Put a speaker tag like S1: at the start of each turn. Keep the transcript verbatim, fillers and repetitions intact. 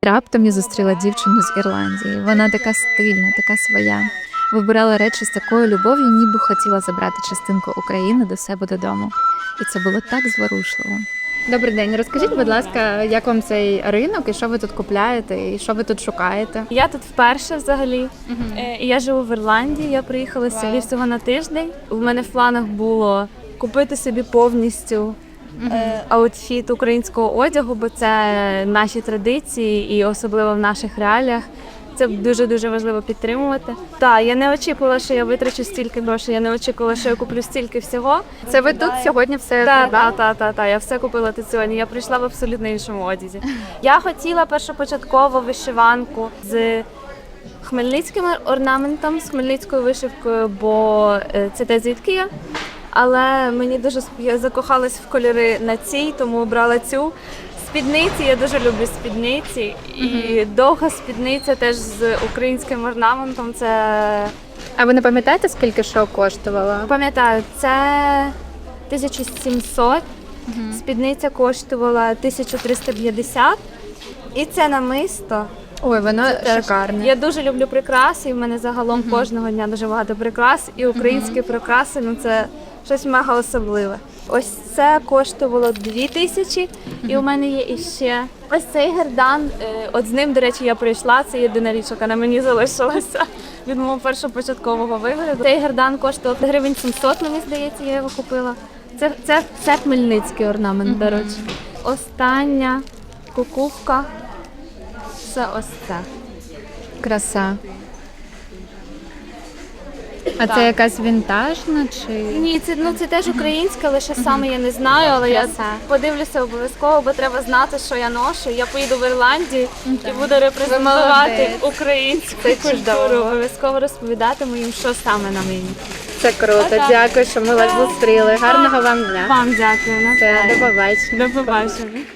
S1: Раптом я зустріла дівчину з Ірландії. Вона така стильна, така своя. Вибирала речі з такою любов'ю, ніби хотіла забрати частинку України до себе додому. І це було так зворушливо.
S2: Добрий день. Розкажіть, будь ласка, як вам цей ринок і що ви тут купляєте, і що ви тут шукаєте?
S3: Я тут вперше взагалі.
S2: Угу.
S3: Е, і Я живу в Ірландії, я приїхала
S2: Вау.
S3: сюди всього на тиждень. У мене в планах було купити собі повністю е, аутфіт українського одягу, бо це наші традиції і особливо в наших реаліях. Це дуже-дуже важливо підтримувати. Так, я не очікувала, що я витрачу стільки грошей, я не очікувала, що я куплю стільки всього.
S2: Це ви тут сьогодні все
S3: Так,
S2: придбали?
S3: так, так, так, та, я все купила тут сьогодні. Я прийшла в абсолютно іншому одязі. Я хотіла першопочатково вишиванку з хмельницьким орнаментом, з хмельницькою вишивкою, бо е, це те, звідки я. Але мені дуже сп- я закохалась в кольори на цій, тому обрала цю. Спідниці, я дуже люблю спідниці. І довга спідниця теж з українським орнаментом. Це,
S2: А ви не пам'ятаєте, скільки що коштувало?
S3: пам'ятаю, це тисяча сімсот, спідниця коштувала тисяча триста п'ятдесят. І це намисто.
S2: Ой, воно
S3: Теж.
S2: шикарне.
S3: Я дуже люблю прикраси, і в мене загалом кожного дня дуже багато прикрас. І українські прикраси, ну це щось мега особливе. Ось це коштувало дві тисячі, і у мене є іще ось цей гердан. Е, От з ним, до речі, я прийшла, це єдина річ, яка на мені залишилася від мого першопочаткового вигляду. Цей гердан коштував гривень сімсот, мені здається, я його купила. Це, це, це хмельницький орнамент, до речі. Остання кукувка. Це ось це.
S2: Краса. А це якась вінтажна чи?
S3: Ні, це ну це теж українське, лише саме я не знаю, але я
S2: Краса.
S3: подивлюся обов'язково, бо треба знати, що я ношу. Я поїду в Ірландію і буду репрезентувати
S2: молодець.
S3: українську
S2: Це
S3: культуру.
S2: чудово.
S3: Обов'язково розповідатиму їм, що саме на мені.
S2: Це круто.
S3: Ага.
S2: Дякую, що ми вас зустріли. Гарного вам дня.
S3: Вам дякую.
S2: Все, до побачення.
S3: До побачення.